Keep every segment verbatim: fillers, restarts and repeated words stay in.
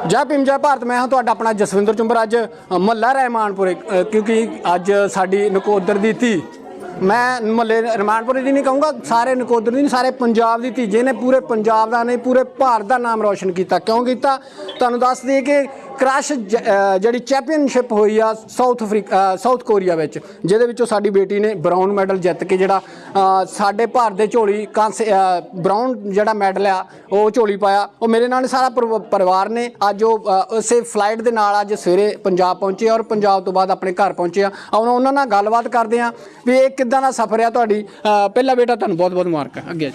जय भीम जय भारत। मैं हाँ तुहाडा अपना जसविंदर चुंबर। अज महला रहमानपुरे क्योंकि अज साडी नकोदर दी धी, मैं महले रहमानपुरे दी नहीं कहूँगा, सारे नकोदर दी नहीं, सारे पंजाब दी धी जिन्हें पूरे पंजाब का नहीं पूरे भारत का नाम रोशन किया। क्यों किया तुहानूं दस दईए कि क्रश जी चैंपीयनशिप हुई आ साउथ अफ्रीका साउथ कोरिया विच, जिहदे विचों साडी बेटी ने ब्राउन मैडल जित के जिहड़ा साडे भारत दे झोली कांसे ब्राउन जिहड़ा मैडल आ वो झोली पाया। वो मेरे नाल सारा परिवार ने अज उसे फ्लाइट दे नाल अज सवेरे पंजाब पहुंचे और पंजाब तो बाद अपने घर पहुंचे आ। उन्होंने नाल गलबात करते हैं भी ये किदां दा सफ़र है तुहाडी। पहला बेटा तुहानूं बहुत बहुत मुबारक। अगे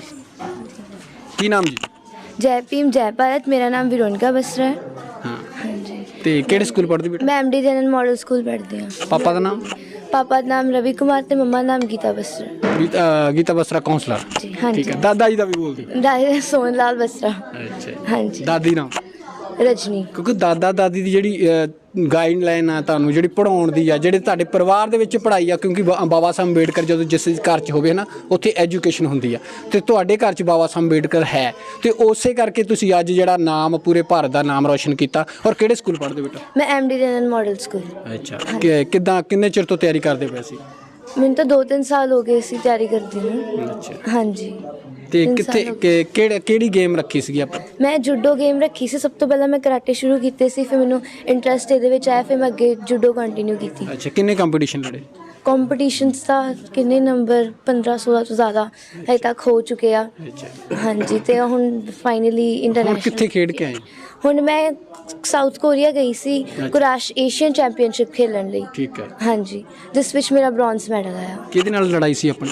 की नाम जी? जय भीम जय भारत। मेरा नाम विरोनिका बसरा है। हाँ जी। ते किहड़े स्कूल पढ़दी बेटा? मैं M D general model school पढ़दी हाँ। पापा का नाम? पापा का नाम रवि कुमार ते मम्मा नाम गीता बसरा। गीता गीता बसरा काउंसलर जी हाँ जी। ठीक है। दादा जी का भी बोल दी? दादी सोन लाल बसरा। अच्छा। हाँ जी। दादी नाम? रजनी। क्योंकि दादा दादी की जी गाइडलाइन आ तुहानूं जी पढ़ाउण दी आ जिहड़े तुहाडे परिवार दे विच पढ़ाई आ, क्योंकि बाबा साहब अंबेडकर जो जिस घर च होवे ना उत्थे एजुकेशन हुंदी आ ते तुहाडे घर च बाबा साहब अंबेडकर है ते उसे करके तुसीं अज जिहड़ा नाम पूरे भारत दा नाम रोशन कीता। और किहड़े स्कूल पढ़दे बेटा? मैं M D general model school. अच्छा। किदां किन्ने चिर तो तैयारी करदे पए सी? मैंने तो दो तीन साल हो गए सी तैयारी करती हूँ। अच्छा। हाँ जी। ਤੇ ਕਿੱਥੇ ਕਿਹੜੇ ਕਿਹੜੀ ਗੇਮ ਰੱਖੀ ਸੀਗੀ ਆਪਾਂ? ਮੈਂ ਜੂਡੋ ਗੇਮ ਰੱਖੀ ਸੀ। ਸਭ ਤੋਂ ਪਹਿਲਾਂ ਮੈਂ ਕਰਾਟੇ ਸ਼ੁਰੂ ਕੀਤੇ ਸੀ, ਫਿਰ ਮੈਨੂੰ ਇੰਟਰਸਟ ਇਹਦੇ ਵਿੱਚ ਆਇਆ, ਫਿਰ ਮੈਂ ਅੱਗੇ ਜੂਡੋ ਕੰਟੀਨਿਊ ਕੀਤੀ। ਅੱਛਾ। ਕਿੰਨੇ ਕੰਪੀਟੀਸ਼ਨ ਲੜੇ? ਕੰਪੀਟੀਸ਼ਨਸ ਦਾ ਕਿੰਨੇ ਨੰਬਰ ਪੰਦਰਾਂ ਸੋਲਾਂ ਤੋਂ ਜ਼ਿਆਦਾ ਹਜੇ ਤੱਕ ਹੋ ਚੁੱਕੇ ਆ। ਹਾਂਜੀ। ਤੇ ਹੁਣ ਫਾਈਨਲੀ ਇੰਟਰਨੈਸ਼ਨਲ ਕਿੱਥੇ ਖੇਡ ਕੇ ਆਏ? ਹੁਣ ਮੈਂ ਸਾਊਥ ਕੋਰੀਆ ਗਈ ਸੀ ਕੁਰਾਸ਼ ਏਸ਼ੀਅਨ ਚੈਂਪੀਅਨਸ਼ਿਪ ਖੇਲਣ ਲਈ। ਠੀਕ ਹੈ। ਹਾਂਜੀ, ਜਿਸ ਵਿੱਚ ਮੇਰਾ ਬ੍ਰੌਂਜ਼ ਮੈਡਲ ਆਇਆ। ਕਿਹਦੇ ਨਾਲ ਲੜਾਈ ਸੀ ਆਪਣੀ?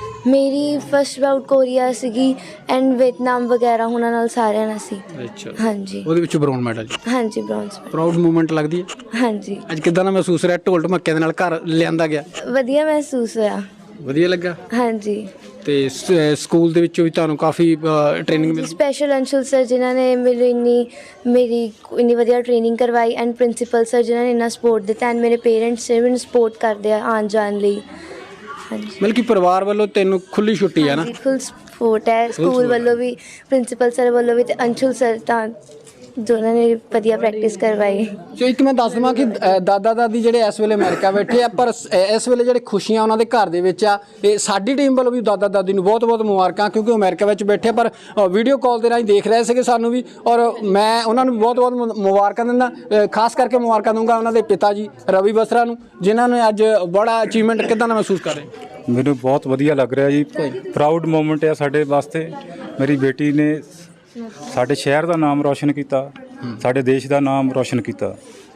ਮੇਰੀ ਫਸਟ ਬਾਊਟ ਕੋਰੀਆ ਸੀਗੀ ਐਂਡ ਵੀਅਤਨਾਮ ਵਗੈਰਾ ਉਹਨਾਂ ਨਾਲ ਸਾਰਿਆਂ ਨਾਲ ਸੀ। ਅੱਛਾ। ਹਾਂਜੀ। ਉਹਦੇ ਵਿੱਚ ਬ੍ਰਾਊਨ ਮੈਡਲ? ਹਾਂਜੀ, ਬ੍ਰੌਂਜ਼। ਪ੍ਰਾਊਡ ਮੂਵਮੈਂਟ ਲੱਗਦੀ ਹੈ? ਹਾਂਜੀ। ਅੱਜ ਕਿੱਦਾਂ ਦਾ ਮਹਿਸੂਸ ਰਿਹਾ ਢੋਲ ਢਮੱਕਿਆਂ ਦੇ ਨਾਲ ਘਰ ਲਿਆਂਦਾ ਗਿਆ? ਵਧੀਆ ਮਹਿਸੂਸ ਹੋਇਆ। ਵਧੀਆ ਲੱਗਾ? ਹਾਂਜੀ। ਤੇ ਸਕੂਲ ਦੇ ਵਿੱਚੋਂ ਵੀ ਤੁਹਾਨੂੰ ਕਾਫੀ ਟ੍ਰੇਨਿੰਗ ਮਿਲੀ? ਸਪੈਸ਼ਲ ਅੰਸ਼ੁਲ ਸਰ ਜਿਨ੍ਹਾਂ ਨੇ ਮੈਨੂੰ ਇੰਨੀ ਮੇਰੀ ਇੰਨੀ ਵਧੀਆ ਟ੍ਰੇਨਿੰਗ ਕਰਵਾਈ ਐਂਡ ਪ੍ਰਿੰਸੀਪਲ ਸਰ ਜਿਨ੍ਹਾਂ ਨੇ ਇੰਨਾ ਸਪੋਰਟ ਦਿੱਤਾ ਐਂਡ ਮੇਰੇ ਪੇਰੈਂਟਸ ਨੇ ਮੈਨੂੰ ਸਪੋਰਟ ਕਰਦੇ ਆ ਆਉਣ ਜਾਣ ਲਈ। ਹਾਂਜੀ। ਮਤਲਬ ਕਿ ਪਰਿਵਾਰ ਵੱਲੋਂ ਤੈਨੂੰ ਖੁੱਲੀ ਛੁੱਟੀ ਹੈ ਨਾ? ਫੁੱਲ ਸਪੋਰਟ ਹੈ ਸਕੂਲ ਵੱਲੋਂ ਵੀ, ਪ੍ਰਿੰਸੀਪਲ ਸਰ ਵੱਲੋਂ ਵੀ ਤੇ ਅੰਸ਼ੁਲ ਸਰ ਤਾਂ ਦੋਨਾਂ ਨੇ ਵਧੀਆ ਪ੍ਰੈਕਟਿਸ ਕਰਵਾਈ। ਸੋ ਇੱਕ ਮੈਂ ਦੱਸ ਦੇਵਾਂ ਕਿ ਦਾਦਾ ਦਾਦੀ ਜਿਹੜੇ ਇਸ ਵੇਲੇ ਅਮਰੀਕਾ ਬੈਠੇ ਆ, ਪਰ ਇਸ ਵੇਲੇ ਜਿਹੜੇ ਖੁਸ਼ੀਆਂ ਉਹਨਾਂ ਦੇ ਘਰ ਦੇ ਵਿੱਚ ਆ, ਇਹ ਸਾਡੀ ਟੀਮ ਵੱਲੋਂ ਵੀ ਦਾਦਾ ਦਾਦੀ ਨੂੰ ਬਹੁਤ ਬਹੁਤ ਮੁਬਾਰਕਾਂ, ਕਿਉਂਕਿ ਅਮਰੀਕਾ ਵਿੱਚ ਬੈਠੇ ਪਰ ਵੀਡੀਓ ਕਾਲ ਦੇ ਰਾਹੀਂ ਦੇਖ ਰਹੇ ਸੀਗੇ ਸਾਨੂੰ ਵੀ, ਔਰ ਮੈਂ ਉਹਨਾਂ ਨੂੰ ਬਹੁਤ ਬਹੁਤ ਮੁਬਾਰਕਾਂ ਦਿੰਦਾ। ਖਾਸ ਕਰਕੇ ਮੁਬਾਰਕਾਂ ਦਊਂਗਾ ਉਹਨਾਂ ਦੇ ਪਿਤਾ ਜੀ ਰਵੀ ਬਸਰਾ ਨੂੰ, ਜਿਨ੍ਹਾਂ ਨੇ ਅੱਜ ਬੜਾ ਅਚੀਵਮੈਂਟ ਕਿੱਦਾਂ ਦਾ ਮਹਿਸੂਸ ਕਰ ਰਹੇ? ਮੈਨੂੰ ਬਹੁਤ ਵਧੀਆ ਲੱਗ ਰਿਹਾ ਜੀ। ਪ੍ਰਾਊਡ ਮੂਮੈਂਟ ਹੈ ਸਾਡੇ ਵਾਸਤੇ। ਮੇਰੀ ਬੇਟੀ ਨੇ ਸਾਡੇ ਸ਼ਹਿਰ ਦਾ ਨਾਮ ਰੋਸ਼ਨ ਕੀਤਾ, ਸਾਡੇ ਦੇਸ਼ ਦਾ ਨਾਮ ਰੋਸ਼ਨ ਕੀਤਾ।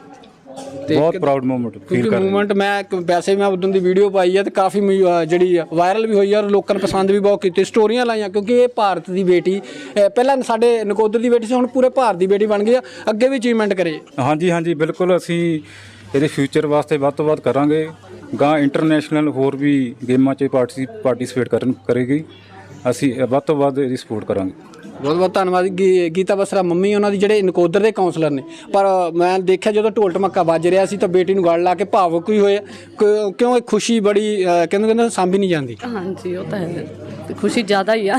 ਬਹੁਤ ਪ੍ਰਾਊਡ ਮੂਮੈਂਟ ਫੀਲ ਕਰ ਰਿਹਾ। ਮੂਮੈਂਟ ਮੈਂ ਵੈਸੇ ਮੈਂ ਉਦੋਂ ਦੀ ਵੀਡੀਓ ਪਾਈ ਹੈ ਤੇ ਕਾਫੀ ਜਿਹੜੀ ਵਾਇਰਲ ਵੀ ਹੋਈ ਹੈ ਔਰ ਲੋਕਾਂ ਨੇ ਪਸੰਦ ਵੀ ਬਹੁਤ ਕੀਤੀ, ਸਟੋਰੀਆਂ ਲਾਈਆਂ, ਕਿਉਂਕਿ ਇਹ ਭਾਰਤ ਦੀ ਬੇਟੀ ਪਹਿਲਾਂ ਸਾਡੇ ਨਕੋਦਰ ਦੀ ਬੇਟੀ ਸੀ, ਹੁਣ ਪੂਰੇ ਭਾਰਤ ਦੀ ਬੇਟੀ ਬਣ ਗਈ ਆ। ਅੱਗੇ ਵੀ ਅਚੀਵਮੈਂਟ ਕਰੇ। ਹਾਂਜੀ ਹਾਂਜੀ ਬਿਲਕੁਲ। ਅਸੀਂ ਇਹਦੇ ਫਿਊਚਰ ਵਾਸਤੇ ਵੱਧ ਤੋਂ ਵੱਧ ਕਰਾਂਗੇ। ਗਾਂ ਇੰਟਰਨੈਸ਼ਨਲ ਹੋਰ ਵੀ ਗੇਮਾਂ 'ਚ ਪਾਰਟਿਸੀ ਪਾਰਟੀਸਪੇਟ ਕਰਨ ਕਰੇਗੀ। ਅਸੀਂ ਵੱਧ ਤੋਂ ਵੱਧ ਇਹਦੀ ਸਪੋਰਟ ਕਰਾਂਗੇ। ਬਹੁਤ ਬਹੁਤ ਧੰਨਵਾਦ ਗੀਤਾ ਬਸਰਾ ਮੰਮੀ ਉਹਨਾਂ ਦੀ ਜਿਹੜੇ ਨਕੋਦਰ ਦੇ ਕਾਉਂਸਲਰ ਨੇ। ਪਰ ਮੈਂ ਦੇਖਿਆ ਜਦੋਂ ਢੋਲ ਢਮੱਕਾ ਵੱਜ ਰਿਹਾ ਸੀ ਤਾਂ ਬੇਟੀ ਨੂੰ ਗਲ ਲਾ ਕੇ ਭਾਵੁਕ ਵੀ ਹੋਏ, ਕਿਉਂ ਇਹ ਖੁਸ਼ੀ ਬੜੀ ਕਹਿੰਦੇ ਕਹਿੰਦੇ ਸਾਂਭੀ ਨਹੀਂ ਜਾਂਦੀ। ਹਾਂਜੀ ਉਹ ਤਾਂ ਹੈ, ਖੁਸ਼ੀ ਜ਼ਿਆਦਾ ਹੀ ਆ।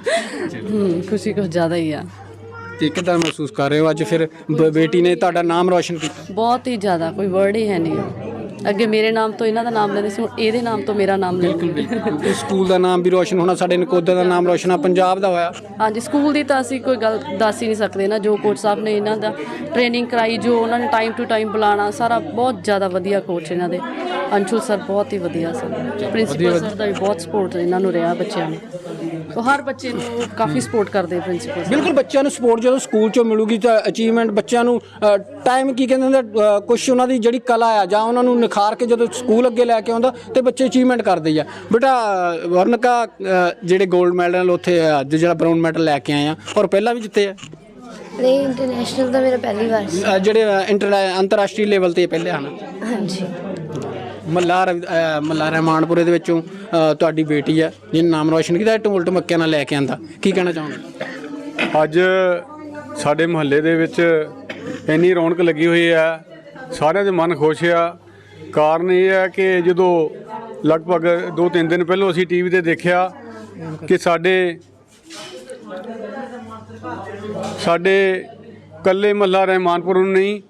ਖੁਸ਼ੀ ਕੁਛ ਜ਼ਿਆਦਾ ਹੀ ਆ। ਤੇ ਕਿੱਦਾਂ ਮਹਿਸੂਸ ਕਰ ਰਹੇ ਹੋ ਅੱਜ ਫਿਰ ਬੇਟੀ ਨੇ ਤੁਹਾਡਾ ਨਾਮ ਰੋਸ਼ਨ ਕੀਤਾ? ਬਹੁਤ ਹੀ ਜ਼ਿਆਦਾ, ਕੋਈ ਵਰਡ ਹੀ ਹੈ ਨਹੀਂ। ਅੱਗੇ ਮੇਰੇ ਨਾਮ ਤੋਂ ਇਹਨਾਂ ਦਾ ਨਾਮ ਲੈਂਦੇ ਸੀ, ਹੁਣ ਇਹਦੇ ਨਾਮ ਤੋਂ ਮੇਰਾ ਨਾਮ ਲੈ। ਬਿਲਕੁਲ। ਸਕੂਲ ਦਾ ਨਾਮ ਵੀ ਰੋਸ਼ਨ ਹੋਣਾ, ਸਾਡੇ ਨਕੋਦਰ ਦਾ ਨਾਮ ਰੋਸ਼ਨ ਆ, ਪੰਜਾਬ ਦਾ ਹੋਇਆ। ਹਾਂਜੀ। ਸਕੂਲ ਦੀ ਤਾਂ ਅਸੀਂ ਕੋਈ ਗੱਲ ਦੱਸ ਹੀ ਨਹੀਂ ਸਕਦੇ ਨਾ। ਜੋ ਕੋਚ ਸਾਹਿਬ ਨੇ ਇਹਨਾਂ ਦਾ ਟ੍ਰੇਨਿੰਗ ਕਰਾਈ, ਜੋ ਉਹਨਾਂ ਨੇ ਟਾਈਮ ਟੂ ਟਾਈਮ ਬੁਲਾਉਣਾ, ਸਾਰਾ ਬਹੁਤ ਜ਼ਿਆਦਾ ਵਧੀਆ ਕੋਚ ਇਹਨਾਂ ਦੇ। ਅੰਸ਼ੁਲ ਸਰ ਬਹੁਤ ਹੀ ਵਧੀਆ ਸਨ। ਪ੍ਰਿੰਸੀਪਲ ਸਰ ਦਾ ਵੀ ਬਹੁਤ ਸਪੋਰਟ ਇਹਨਾਂ ਨੂੰ ਰਿਹਾ ਬੱਚਿਆਂ ਨੂੰ। ਉਹ ਹਰ ਬੱਚੇ ਨੂੰ ਕਾਫੀ ਸਪੋਰਟ ਕਰਦੇ ਪ੍ਰਿੰਸੀਪਲ। ਬਿਲਕੁਲ। ਬੱਚਿਆਂ ਨੂੰ ਸਪੋਰਟ ਜਦੋਂ ਸਕੂਲ 'ਚੋਂ ਮਿਲੂਗੀ ਤਾਂ ਅਚੀਵਮੈਂਟ ਬੱਚਿਆਂ ਨੂੰ ਟਾਈਮ ਕੀ ਕਹਿੰਦੇ ਹੁੰਦੇ, ਕੁਛ ਉਹਨਾਂ ਦੀ ਜਿਹੜੀ ਕਲਾ ਆ ਜਾਂ ਉਹਨਾਂ ਨੂੰ ਨਿਖਾਰ ਕੇ ਜਦੋਂ ਸਕੂਲ ਅੱਗੇ ਲੈ ਕੇ ਆਉਂਦਾ ਤੇ ਬੱਚੇ ਅਚੀਵਮੈਂਟ ਕਰਦੇ ਆ। ਬੇਟਾ ਵਰਨਕਾ ਜਿਹੜੇ ਗੋਲਡ ਮੈਡਲ ਉੱਥੇ ਅੱਜ ਜਿਹੜਾ ਬਰਾਊਨ ਮੈਡਲ ਲੈ ਕੇ ਆਏ ਆ ਔਰ ਪਹਿਲਾਂ ਵੀ ਜਿੱਤੇ ਆ? ਨਹੀਂ, ਇੰਟਰਨੈਸ਼ਨਲ ਦਾ ਮੇਰਾ ਪਹਿਲੀ ਵਾਰ ਸੀ। ਜਿਹੜੇ ਇੰਟਰ ਅੰਤਰਰਾਸ਼ਟਰੀ ਲੈਵਲ 'ਤੇ ਪਹਿਲੇ ਹਨ? ਹਾਂਜੀ। ਮੱਲਾ ਮੱਲਾ ਰਹਿਮਾਨਪੁਰੇ ਦੇ ਵਿੱਚੋਂ ਤੁਹਾਡੀ ਬੇਟੀ ਹੈ ਜਿਹਨੇ ਨਾਮ ਰੋਸ਼ਨ ਕੀਤਾ, ਢੋਲ ਢਮੱਕਿਆਂ ਨਾਲ ਲੈ ਕੇ ਆਂਦਾ, ਕੀ ਕਹਿਣਾ ਚਾਹੁੰਦੇ? ਅੱਜ ਸਾਡੇ ਮੁਹੱਲੇ ਦੇ ਵਿੱਚ ਇੰਨੀ ਰੌਣਕ ਲੱਗੀ ਹੋਈ ਹੈ, ਸਾਰਿਆਂ ਦੇ ਮਨ ਖੁਸ਼ ਆ। ਕਾਰਨ ਇਹ ਹੈ ਕਿ ਜਦੋਂ ਲਗਭਗ ਦੋ ਤਿੰਨ ਦਿਨ ਪਹਿਲਾਂ ਅਸੀਂ ਟੀ ਵੀ 'ਤੇ ਦੇਖਿਆ ਕਿ ਸਾਡੇ ਸਾਡੇ ਕੱਲੇ ਮਹੱਲਾ ਰਹਿਮਾਨਪੁਰ ਨੂੰ ਨਹੀਂ,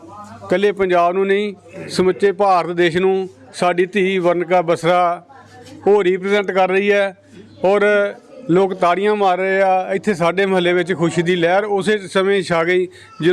ਕੱਲੇ ਪੰਜਾਬ ਨੂੰ ਨਹੀਂ, ਸਮੁੱਚੇ ਭਾਰਤ ਦੇਸ਼ ਨੂੰ ਸਾਡੀ ਧੀ ਵਰਨਿਕਾ ਬਸਰਾ ਉਹ ਰਿਪਰੈਜ਼ੈਂਟ ਕਰ ਰਹੀ ਹੈ। ਔਰ ਲੋਕ ਤਾੜੀਆਂ ਮਾਰ ਰਹੇ ਆ। ਇੱਥੇ ਸਾਡੇ ਮਹੱਲੇ ਵਿੱਚ ਖੁਸ਼ੀ ਦੀ ਲਹਿਰ ਉਸੇ ਸਮੇਂ ਛਾ ਗਈ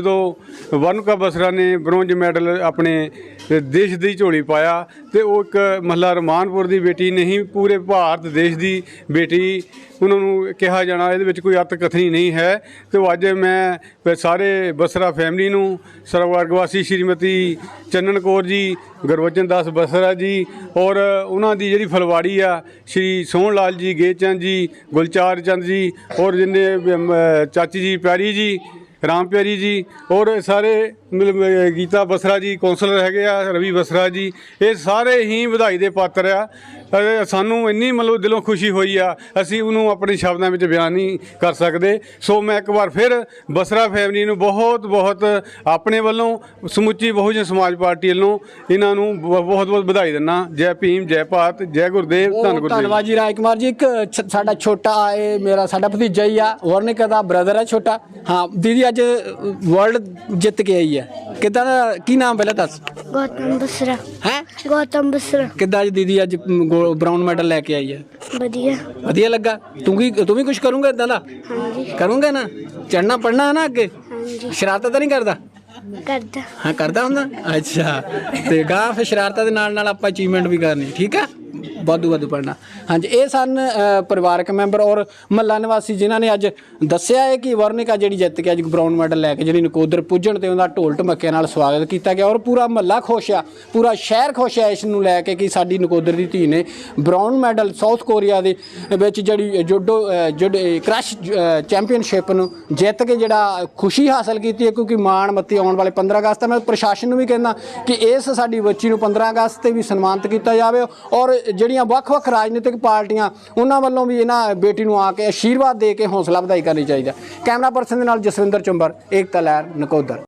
ਜਦੋਂ ਵਰਨਿਕਾ ਬਸਰਾ ਨੇ ਬ੍ਰੌਂਜ ਮੈਡਲ ਆਪਣੇ ਦੇਸ਼ ਦੀ ਝੋਲੀ ਪਾਇਆ। ਤੇ ਉਹ ਇੱਕ ਮਹੱਲਾ ਰਮਾਨਪੁਰ ਦੀ ਬੇਟੀ ਨਹੀਂ, ਪੂਰੇ ਭਾਰਤ ਦੇਸ਼ ਦੀ ਬੇਟੀ ਉਹਨਾਂ ਨੂੰ ਕਿਹਾ ਜਾਣਾ, ਇਹਦੇ ਵਿੱਚ ਕੋਈ ਅਤ ਕਥਨੀ ਨਹੀਂ ਹੈ। ਤੇ ਅੱਜ ਮੈਂ ਸਾਰੇ ਬਸਰਾ ਫੈਮਿਲੀ ਨੂੰ, ਸਰਵਰਗਵਾਸੀ ਸ਼੍ਰੀਮਤੀ ਚੰਨਨ ਕੌਰ ਜੀ, ਗੁਰਬਚਨ ਦਾਸ ਬਸਰਾ ਜੀ ਔਰ ਉਹਨਾਂ ਦੀ ਜਿਹੜੀ ਫਲਵਾੜੀ ਆ ਸ਼੍ਰੀ ਸੋਹਣ ਲਾਲ ਜੀ, ਗੇਚੰਦ ਜੀ, ਗੁਲਚਾਰ ਚੰਦ ਜੀ ਔਰ ਜਿੰਨੇ ਅਮ, ਚਾਚੀ ਜੀ ਪਿਆਰੀ ਜੀ, ਰਾਮ ਪਿਆਰੀ ਜੀ ਔਰ ਸਾਰੇ ਮਤਲਬ ਗੀਤਾ ਬਸਰਾ ਜੀ ਕੌਂਸਲਰ ਹੈਗੇ ਆ, ਰਵੀ ਬਸਰਾ ਜੀ, ਇਹ ਸਾਰੇ ਹੀ ਵਧਾਈ ਦੇ ਪਾਤਰ ਆ। ਅਤੇ ਸਾਨੂੰ ਇੰਨੀ ਮਤਲਬ ਦਿਲੋਂ ਖੁਸ਼ੀ ਹੋਈ ਆ, ਅਸੀਂ ਉਹਨੂੰ ਆਪਣੇ ਸ਼ਬਦਾਂ ਵਿੱਚ ਬਿਆਨ ਨਹੀਂ ਕਰ ਸਕਦੇ। ਸੋ ਮੈਂ ਇੱਕ ਵਾਰ ਫਿਰ ਬਸਰਾ ਫੈਮਿਲੀ ਨੂੰ ਬਹੁਤ ਬਹੁਤ ਆਪਣੇ ਵੱਲੋਂ, ਸਮੁੱਚੀ ਬਹੁਜਨ ਸਮਾਜ ਪਾਰਟੀ ਵੱਲੋਂ ਇਹਨਾਂ ਨੂੰ ਬਹੁਤ ਬਹੁਤ ਵਧਾਈ ਦਿੰਦਾ। ਜੈ ਭੀਮ, ਜੈ ਭਾਰਤ, ਜੈ ਗੁਰਦੇਵ, ਧੰਨ ਬਹੁਤ ਗੁਰਦੇਵ। ਧੰਨਵਾਦ ਜੀ ਰਾਜ ਕੁਮਾਰ ਜੀ। ਇੱਕ ਛ- ਸਾਡਾ ਛੋਟਾ ਇਹ ਮੇਰਾ ਸਾਡਾ ਭਤੀਜਾ ਹੀ ਆ, ਵਰਨਿਕਾ ਦਾ ਬ੍ਰਦਰ ਹੈ ਛੋਟਾ। ਹਾਂ ਦੀਦੀ ਅੱਜ ਵਰਲਡ ਜਿੱਤ ਕੇ ਆਈ ਹੈ, ਕਿੱਦਾਂ ਦਾ, ਕੀ ਨਾਮ ਪਹਿਲਾਂ ਦੱਸ? ਗੌਤਮ ਬਸਰਾ ਹੈ ਗੌਤਮ ਬਸਰਾ ਕਿੱਦਾਂ ਅੱਜ ਦੀਦੀ ਅੱਜ ਬ੍ਰਾਊਨ ਮੈਡਲ ਲੈ ਕੇ ਆਈ ਹੈ? ਵਧੀਆ। ਵਧੀਆ ਲੱਗਾ। ਤੂੰ ਕੀ ਤੂੰ ਵੀ ਕੁਝ ਕਰੂੰਗਾ ਇਦਾਂ ਦਾ? ਹਾਂਜੀ ਕਰੂੰਗਾ ਨਾ, ਚੜਨਾ ਪੜਨਾ ਹੈ ਨਾ ਅੱਗੇ? ਹਾਂਜੀ ਸ਼ਰਾਰਤਾਂ ਤਾਂ ਨਹੀਂ ਕਰਦਾ? ਕਰਦਾ। ਹਾਂ ਕਰਦਾ ਹੁੰਦਾ। ਅੱਛਾ ਤੇ ਗਾਂ ਫਿਰ ਸ਼ਰਾਰਤਾਂ ਦੇ ਨਾਲ ਨਾਲ ਆਪਾਂ ਅਚੀਵਮੈਂਟ ਵੀ ਕਰਨੀ, ਠੀਕ ਆ, ਵਾਧੂ ਵਾਧੂ ਪੜਨਾ। ਹਾਂਜੀ ਇਹ ਸਨ ਅ, ਪਰਿਵਾਰਕ ਮੈਂਬਰ ਔਰ ਮਹੱਲਾ ਨਿਵਾਸੀ ਜਿਨ੍ਹਾਂ ਨੇ ਅੱਜ ਦੱਸਿਆ ਹੈ ਕਿ ਵਰਨਿਕਾ ਜਿਹੜੀ ਜਿੱਤ ਕੇ ਅੱਜ ਬ੍ਰਾਊਨ ਮੈਡਲ ਲੈ ਕੇ ਜਿਹੜੀ ਨਕੋਦਰ ਪੁੱਜਣ ਤੇ ਉਹਦਾ ਢੋਲ ਢਮੱਕੇ ਨਾਲ ਸਵਾਗਤ ਕੀਤਾ ਗਿਆ ਔਰ ਪੂਰਾ ਮਹੱਲਾ ਖੁਸ਼ ਆ, ਪੂਰਾ ਸ਼ਹਿਰ ਖੁਸ਼ ਹੈ ਇਸ ਨੂੰ ਲੈ ਕੇ ਕਿ ਸਾਡੀ ਨਕੋਦਰ ਦੀ ਧੀ ਨੇ ਬ੍ਰਾਊਨ ਮੈਡਲ ਸਾਊਥ ਕੋਰੀਆ ਦੇ ਵਿੱਚ ਜਿਹੜੀ ਜੁਡੋ ਜਿਹੜੇ ਕ੍ਰਸ਼ ਚੈਂਪੀਅਨਸ਼ਿਪ ਨੂੰ ਜਿੱਤ ਕੇ ਜਿਹੜਾ ਖੁਸ਼ੀ ਹਾਸਲ ਕੀਤੀ ਹੈ। ਕਿਉਂਕਿ ਮਾਣ ਮੱਤੀ ਆਉਣ ਵਾਲੇ ਪੰਦਰਾਂ ਅਗਸਤ ਮੈਂ ਪ੍ਰਸ਼ਾਸਨ ਨੂੰ ਵੀ ਕਹਿੰਦਾ ਕਿ ਇਸ ਸਾਡੀ ਬੱਚੀ ਨੂੰ ਪੰਦਰਾਂ ਅਗਸਤ ਤੇ ਵੀ ਸਨਮਾਨਿਤ ਕੀਤਾ ਜਾਵੇ ਔਰ ਜਿਹੜੀਆਂ ਵੱਖ-ਵੱਖ ਰਾਜਨੀਤਿਕ ਪਾਰਟੀਆਂ ਉਹਨਾਂ ਵੱਲੋਂ ਵੀ ਇਹਨਾਂ ਬੇਟੀ ਨੂੰ ਆ ਕੇ ਆਸ਼ੀਰਵਾਦ ਦੇ ਕੇ ਹੌਸਲਾ ਵਧਾਈ ਕਰਨੀ ਚਾਹੀਦਾ। ਕੈਮਰਾ ਪਰਸਨ ਦੇ ਨਾਲ ਜਸਵਿੰਦਰ ਚੁੰਬਰ, ਏਕਤਾ ਲਹਿਰ, ਨਕੋਦਰ।